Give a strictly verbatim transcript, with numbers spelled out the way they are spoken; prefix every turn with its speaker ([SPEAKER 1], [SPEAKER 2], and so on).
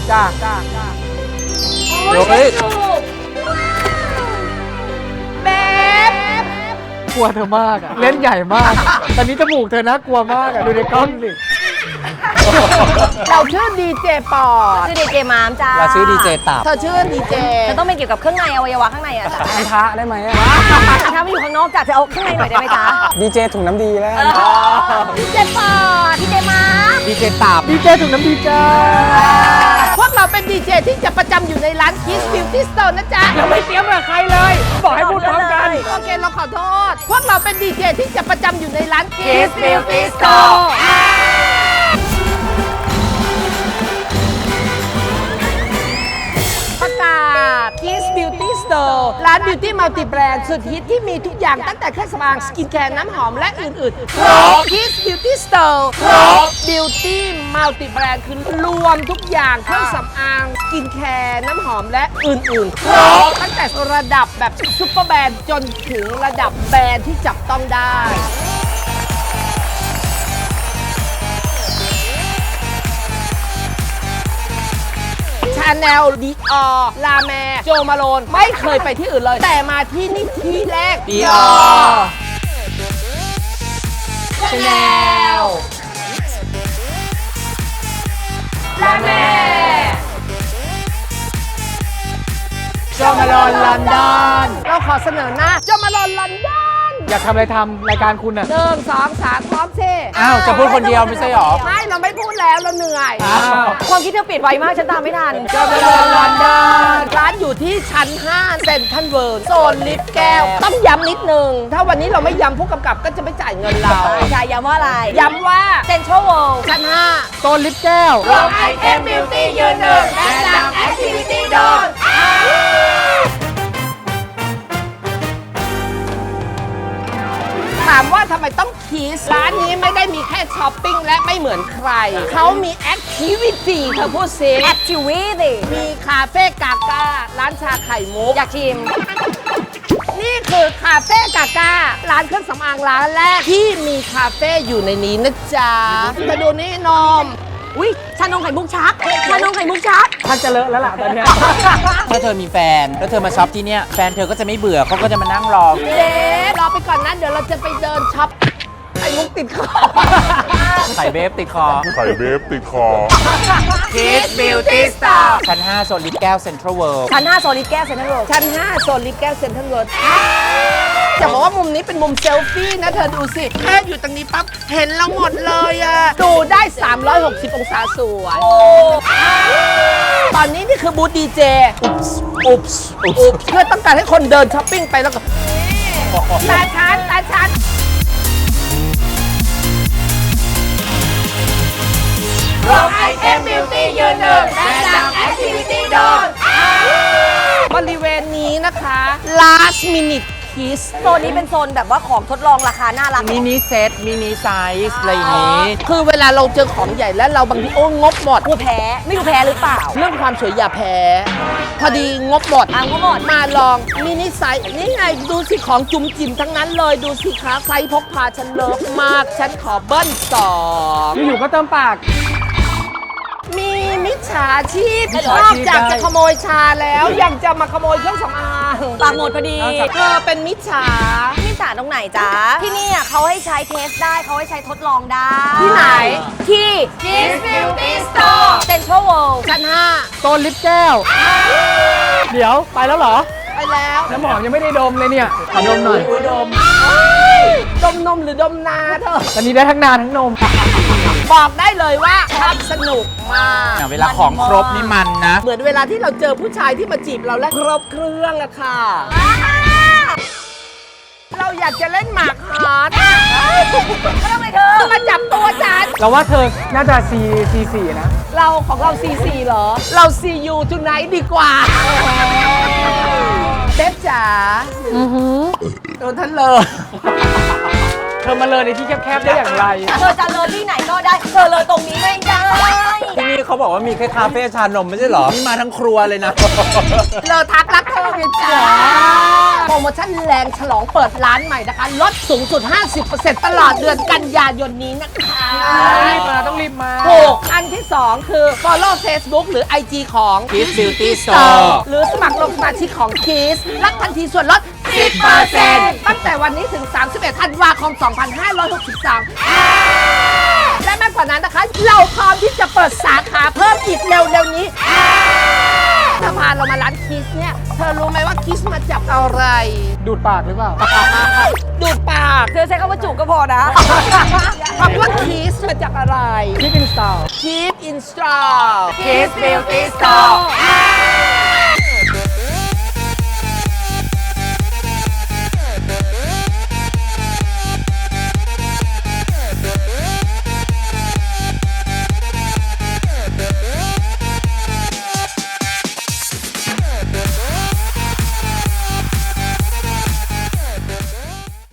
[SPEAKER 1] จ้าจ้าจ้า
[SPEAKER 2] เดี๋ยวเฮ้ย
[SPEAKER 3] เบบ
[SPEAKER 1] กลัวเธอมากอะเล่นใหญ่มากตอนนี้จมูกเธอน่ากลัวมากอะดูในกล้องสิ
[SPEAKER 3] เราชื่อดีเจปอด
[SPEAKER 2] ชื่อดีเจมามจ้า
[SPEAKER 4] เราชื่อดีเจตับ
[SPEAKER 3] เธอชื่อดีเจ
[SPEAKER 2] จะต้องเป็นเกี่ยวกับเครื่องในอวัยวะข้างในอะจ้ะ
[SPEAKER 1] อันทะได้ไหมอะ
[SPEAKER 2] ถ้าไม่อยู่ข้างนอกจ้ะเธอเอาข้างในหน่อยได้ไหมจ๊ะ
[SPEAKER 4] ดีเจถุงน้ำดีแล้ว
[SPEAKER 2] ดีเจปอดดีเจมาม
[SPEAKER 4] ดีเจตับ
[SPEAKER 1] ดีเจถุงน้ำดีจ้า
[SPEAKER 3] พวกเราเป็นดีเจที่จะประจำอยู่ในร้าน Kiss Beauty Store นะจ๊ะ
[SPEAKER 1] เราไม่เตรียมกับใครเลยบอกให้พูดพร้อมกัน
[SPEAKER 3] โอเคเราขอโทษ พวกเราเป็นดีเจที่จะประจำอยู่ในร้าน
[SPEAKER 2] Kiss Beauty Store
[SPEAKER 3] ประกาศ Kiss Beauty Store ร้าน Beauty Multi Brand สุดฮิตที่มีทุกอย่างตั้งแต่เครื่องสำอางสกินแคร์น้ำหอมและอื่นๆครบ Kiss Beauty Store ครบ Beauty Multi Brand คือรวมทุกอย่างเครื่องสำอางสกินแคร์น้ำหอมและอื่นๆครบตั้งแต่ระดับแบบซุปเปอร์แบรนด์จนถึงระดับแบรนด์ที่จับต้องได้ ชาแนลดีออลาแมโจมาโลนไม่เคยไปที่อื่นเลย แต่มาที่นี่ที่แรก
[SPEAKER 4] ดีออ
[SPEAKER 3] ชาแนลลาแม
[SPEAKER 1] โจมาลอนลอนดอน
[SPEAKER 3] เราขอเสนอหน้าโจมาโลนลอนดอน
[SPEAKER 1] อยากทำอะไรทำรายการคุณอะ
[SPEAKER 3] หนึ่งสองสามพร้อมเช่
[SPEAKER 4] อ้าว จะพูดคนเดียวไม่ใช่หรอ
[SPEAKER 3] ไม่เราไม่พูดแล้วเราเหนื่อย
[SPEAKER 1] อ้าว
[SPEAKER 2] ความคิดเธอเปลี่ยนไวมากฉันตามไม่ทัน
[SPEAKER 3] โจมาโลนลอนดอนร้านอยู่ที่ชั้นห้าเซ็นทรัลเวิลด์โซนลิฟต์แก้ว ต้องย้ำนิดนึง ถ้าวันนี้เราไม่ย้ำผู้กำกับก็จะไม่จ่ายเงินเรา
[SPEAKER 2] ใช่ย้ำว่าอะไร
[SPEAKER 3] ย้ำว่า
[SPEAKER 2] เซ็นทรัลเวิลด์
[SPEAKER 3] ชั้นห้า
[SPEAKER 1] โซนลิฟต์แก้ว
[SPEAKER 3] รวมไอเทมบิวตี้ยืนหนึ่งและนำแอคทิวิตี้โดนถามว่าทำไมต้องคีสร้านนี้ไม่ได้มีแค่ช้อปปิ้งและไม่เหมือนใคร เขามีแอคทิวิตี้เธอพูดซิ
[SPEAKER 2] แอคทิวิตี้
[SPEAKER 3] มีคาเฟ่กาก้าร้านชาไข่มุก
[SPEAKER 2] อยากชิม
[SPEAKER 3] นี่คือคาเฟ่กาก้าร้านเครื่องสำอางร้านแรกที่มีคาเฟ่อยู่ในนี้นะจ๊ะมาดูนี่นม
[SPEAKER 2] อุ้ยชานมไข่มุกชักชานมไข่มุกชัก
[SPEAKER 1] ท่านจะเลอะแล้วล่ะตอนเนี้ย
[SPEAKER 4] ถ้าเธอมีแฟน แล้วเธอมาช็อปที่เนี่ย แฟนเธอก็จะไม่เบื่อเขาก็จะมานั่งรอ
[SPEAKER 3] เจ๊รอไปก่อนนะเดี๋ยวเราจะไปเดินช็อปไข่มุกติดคอ
[SPEAKER 4] ใส่เบฟติดคอ
[SPEAKER 5] ไข่เบฟติดคอ
[SPEAKER 4] Kiss Beauty Store ชั้นห้าโซนลิฟต์แก้วเซ็นทรัลเวิลด์
[SPEAKER 2] ชั้นห้าโซลิดแก้วเซ็นทรัลเวิลด์
[SPEAKER 3] ชั้นห้าโซนลิฟต์แก้วเซ็นทรัลเวิลด์จะบอกว่ามุมนี้เป็นมุมเซลฟี่นะเธอดูสิแค่อยู่ตรงนี้ปั๊บเห็นเราหมดเลยอะดูได้ สามร้อยหกสิบ องศาสวยตอนนี้นี่คือบูธดีเจอุ๊บส์อุ๊บส์อุ๊บส์เพื่อต้องการให้คนเดินช้อปปิ้งไปแล้วก็ตาชันตาชันรวมไอเทมบิวตี้ยืนหนึ่งและนำแอคทิวิตี้โดนบริเวณนี้นะคะ last minute kiss
[SPEAKER 2] โซนนี้เป็นโซนแบบว่าของทดลองราคาน่ารัก
[SPEAKER 4] มินิเซตมินิไซส์อะไรอย่างนี้
[SPEAKER 3] คือเวลาเราเจอของใหญ่แล้วเราบางทีโอ้งบหมด
[SPEAKER 2] กูแพ้ไม่รู้แพ้หรือเปล่า
[SPEAKER 3] เรื่องความสวยอย่าแพ้ พอดีงบหมด
[SPEAKER 2] อ่ะงบหมด
[SPEAKER 3] มาลองมินิไซส์นี่ไงดูสิของจุ่มจิ๋มทั้งนั้นเลยดูสิคะไซส์พกพาฉันเลิฟมาก ฉันขอเบิ้ลสอง
[SPEAKER 1] อยู่ๆก็เติมปาก
[SPEAKER 3] มีมิจฉาชีพ
[SPEAKER 1] มิจ
[SPEAKER 3] น
[SPEAKER 1] ฉา
[SPEAKER 3] อก
[SPEAKER 1] ชีพ
[SPEAKER 3] จาก
[SPEAKER 1] ได้
[SPEAKER 3] จะขโมยชาแล้วยังจะมาขโมยเครื่องสำอาง
[SPEAKER 2] ปากหมดพอดี
[SPEAKER 3] เธอเป็นมิจฉา
[SPEAKER 2] ที่สาตรงไหนจ๊ะ ที่นี่อ่ะเขาให้ใช้เทสได้เขาให้ใช้ทดลองได้
[SPEAKER 3] ที่ไหน
[SPEAKER 2] ที่ Kiss Beauty Store Central World
[SPEAKER 3] ชั้นห้า
[SPEAKER 1] โซนลิฟต์แก้ว เดี๋ยวไปแล้วเหรอ
[SPEAKER 3] ไปแล้ว
[SPEAKER 1] น้ำหอมยังไม่ได้ดมเลยเนี่ยขอดมหน่อย
[SPEAKER 3] ดมดมนมหรือดมนาเธอ
[SPEAKER 1] ตอนนี้ได้ทั้งนาทั้งนม
[SPEAKER 3] บอกได้เลยว่าทำสนุกมาก
[SPEAKER 4] เวลาของครบนี่มันนะ
[SPEAKER 3] เหมือนเวลาที่เราเจอผู้ชายที่มาจีบเราและครบเครื่องอะค่ะ เราอยากจะเล่นหมากฮาร์ด
[SPEAKER 2] ไม่ต้องไปเธอ
[SPEAKER 3] มาจับตัวฉัน
[SPEAKER 1] เราว่าเธอน่าจะ C C สี่นะ
[SPEAKER 3] เราของเรา ซี ซี เหรอ เรา ซี ยู tonight ดีกว่าเบ๊บจ๋าโดนท่านเลย
[SPEAKER 1] เธอมาเลยในที่แคบๆได้อย่างไร
[SPEAKER 2] เธอจะเลยที่ไหนก็ได้ เธอเลยตรงนี้ไม่ได้
[SPEAKER 4] ที่นี่เขาบอกว่ามีแค่คาเฟ่ชานมไม่ใช่เหรอ นี่มาทั้งครัวเลยนะ
[SPEAKER 3] เราทักรักเธอไงจ๋าโปรโมชั่นแรงฉลองเปิดร้านใหม่นะคะ ลดสูงสุด ห้าสิบเปอร์เซ็นต์ ตลอดเดือนกันยายนนี้นะคะ
[SPEAKER 1] รีบมาต้องรีบมา
[SPEAKER 3] ถูกอันที่ สอง คือ follow Facebook หรือ ไอ จี ของ
[SPEAKER 4] Kiss Beauty Store
[SPEAKER 3] หรือสมัครลงสมาชิกของ Kiss รับทันทีส่วนลด สิบเปอร์เซ็นต์ ตั้งแต่วันนี้ถึง สามสิบเอ็ดธันวาคม สองพันห้าร้อยหกสิบสาม และมากกว่านั้นนะคะ เราพร้อมที่จะเปิดสาขาเพิ่มอีกเร็วๆนี้เธอพาเรามาร้าน Kiss เนี่ย เธอรู้ไหมว่า Kiss มาจากอะไร
[SPEAKER 1] ดูดปากหรือเปล่า
[SPEAKER 3] ดูดปาก
[SPEAKER 2] เธอใช้คำว่าจุกก็พอนะ
[SPEAKER 3] คำว่า Kiss มาจากอะไร
[SPEAKER 1] คิดอินสตาล
[SPEAKER 3] Keep in Style
[SPEAKER 2] Kiss Beauty Store